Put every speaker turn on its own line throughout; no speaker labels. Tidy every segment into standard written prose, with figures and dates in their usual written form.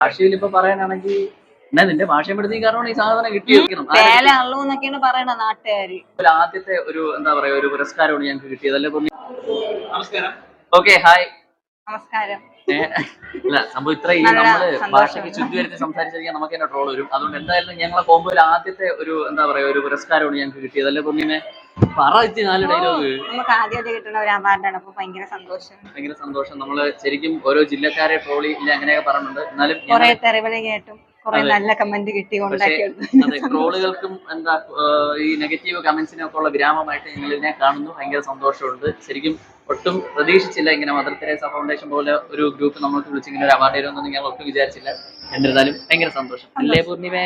ഭാഷയിൽ ഇപ്പൊ പറയാനാണെങ്കിൽ എന്നാ നിന്റെ ഭാഷയും പെടുത്തി കാരണമാണ് ഈ സാധനം കിട്ടിയിരിക്കണം.
പറയണ നാട്ടുകാര്
ആദ്യത്തെ ഒരു എന്താ പറയാ ഒരു പുരസ്കാരമാണ് ഞങ്ങൾക്ക് കിട്ടിയത് അല്ലേ? നമസ്കാരം. Okay, hi.
നമസ്കാരം.
അല്ല സംഭവം ഇത്ര ഈ നമ്മള് ഭാഷയ്ക്ക് ചുറ്റി വരുത്തി സംസാരിച്ചിരിക്കാൻ നമുക്ക് തന്നെ ട്രോൾ വരും. അതുകൊണ്ട് എന്തായാലും ഞങ്ങളെ കോമ്പോയിൽ ആദ്യത്തെ ഒരു എന്താ പറയാ ഒരു പുരസ്കാരമാണ് ഞങ്ങൾക്ക് കിട്ടിയത് അല്ലേ? പൊന്നിനെ പറ 4 ഡയലോഗ്.
നമുക്ക് ആദ്യമായിട്ട് കിട്ടുന്ന ഒരു അവാർഡാണ്. അപ്പൊ ഭയങ്കര സന്തോഷം. നമ്മള് ശരിക്കും ഓരോ ജില്ലക്കാരെ ട്രോളി ഇല്ല അങ്ങനെയൊക്കെ പറഞ്ഞിട്ടുണ്ട്. എന്നാലും കുറെ തെറിവിളി കേട്ടും കുറെ നല്ല കമന്റ് കിട്ടി.
അതെ, ട്രോളുകൾക്കും എന്താ ഈ നെഗറ്റീവ് കമന്റ്സിനും ഒക്കെ ഉള്ള വിരാമമായിട്ട് ഞങ്ങൾ ഇതിനെ കാണുന്നു. ഭയങ്കര സന്തോഷമുണ്ട്. ശരിക്കും ഒട്ടും പ്രതീക്ഷിച്ചില്ല ഇങ്ങനെ മദർ തെരേസ ഫൗണ്ടേഷൻ പോലെ ഒരു ഗ്രൂപ്പ് നമുക്ക് വിളിച്ച് ഇങ്ങനെ ഒരു അവാർഡ് തരുമെന്നൊന്നും ഞങ്ങൾ ഒട്ടും വിചാരിച്ചില്ല. എന്നിരുന്നാലും ഭയങ്കര സന്തോഷം അല്ലേ പൂർണിമേ?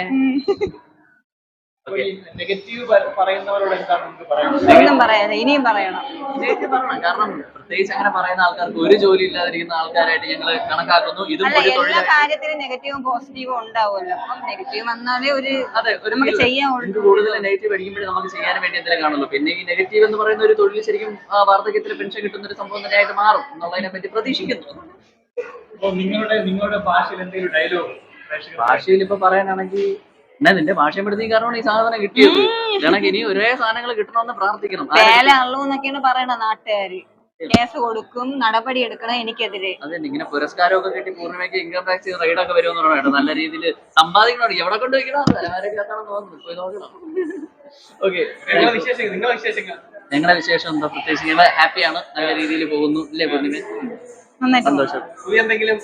നെഗറ്റീവ് പറയുന്നവരോട്
ഒന്നും പറയാതെ ഇനിയും പറയണം.
കാരണം പ്രത്യേകിച്ച് അങ്ങനെ പറയുന്ന ആൾക്കാർക്ക് ഒരു ജോലി ഇല്ലാതിരിക്കുന്ന ആൾക്കാരായിട്ട് ഞങ്ങൾ കണക്കാക്കുന്നു. ഇതും
എല്ലാ കാര്യത്തിലും നെഗറ്റീവും പോസിറ്റീവും ഉണ്ടാവുമല്ലോ. അപ്പം നെഗറ്റീവ് വന്നാലേ നമുക്ക് ചെയ്യാവുള്ളൂ.
കൂടുതൽ നെഗറ്റീവ് അടിക്കുമ്പോഴേ നമുക്ക് ചെയ്യാൻ വേണ്ടി എന്തെങ്കിലും കാണുള്ളൂ. പിന്നെ ഈ നെഗറ്റീവ് എന്ന് പറയുന്ന ഒരു തൊഴിൽ ശരിക്കും വാർദ്ധക്യത്തിൽ പെൻഷൻ കിട്ടുന്ന ഒരു സംഭവം തന്നെയായിട്ട് മാറും എന്നുള്ളതിനെ പറ്റി പ്രതീക്ഷിക്കുന്നു.
നിങ്ങളുടെ ഭാഷയിൽ എന്തെങ്കിലും ഡയലോഗ്?
ഭാഷയിൽ ഇപ്പൊ പറയാനാണെങ്കിൽ എന്നാ നിന്റെ ഭാഷയും പെടുത്തി കാരണമാണ് ഈ സാധനം കിട്ടിയത്. ഇതാണെങ്കിൽ ഇനി ഒരേ സാധനങ്ങൾ കിട്ടണമെന്ന് പ്രാർത്ഥിക്കണം.
പറയണ നാട്ടുകാര് കേസ് കൊടുക്കും, നടപടി എടുക്കണം എനിക്കെതിരെ.
അതെ, ഇങ്ങനെ പുരസ്കാരമൊക്കെ കിട്ടി പൂർണ്ണിമയ്ക്ക് ഇൻകം ടാക്സ് റൈഡൊക്കെ വരുമെന്ന് പറയണം. നല്ല രീതിയിൽ സമ്പാദിക്കണം. എവിടെ കൊണ്ട് വയ്ക്കണം തോന്നുന്നു. ഓക്കെ, ഞങ്ങളുടെ വിശേഷം എന്താ പ്രത്യേകിച്ച് ഞങ്ങൾ ഹാപ്പിയാണ്. നല്ല രീതിയിൽ പോകുന്നു ഇല്ലേ പൂർണ്ണിമ? സന്തോഷം.
എന്തെങ്കിലും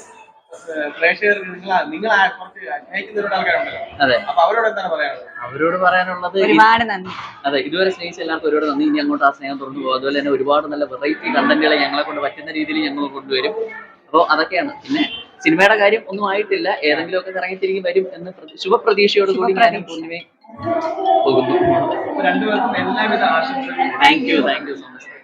അവരോട് പറയാനുള്ളത്
ഒരുപാട് നന്ദി.
അതെ, ഇതുവരെ സ്നേഹിച്ച എല്ലാവർക്കും ഒരുപാട് നന്ദി. ഇനി അങ്ങോട്ട് ആ സ്നേഹം തുറന്നു പോകും. അതുപോലെ തന്നെ ഒരുപാട് നല്ല വെറൈറ്റി കണ്ടന്റുകളെ ഞങ്ങളെ കൊണ്ട് പറ്റുന്ന രീതിയിൽ ഞങ്ങൾ കൊണ്ടുവരും. അപ്പോൾ അതൊക്കെയാണ്. പിന്നെ സിനിമയുടെ കാര്യം ഒന്നും ആയിട്ടില്ല. ഏതെങ്കിലും ഒക്കെ ഇറങ്ങിത്തിരിക്കും വരും എന്ന് ശുഭപ്രതീക്ഷയോട് കൂടി ഞാനും പൂർണ്ണിമയെ പോകുന്നു.
രണ്ടുപേർക്കും എല്ലാവിധ ആശംസകളും.
Thank you so much.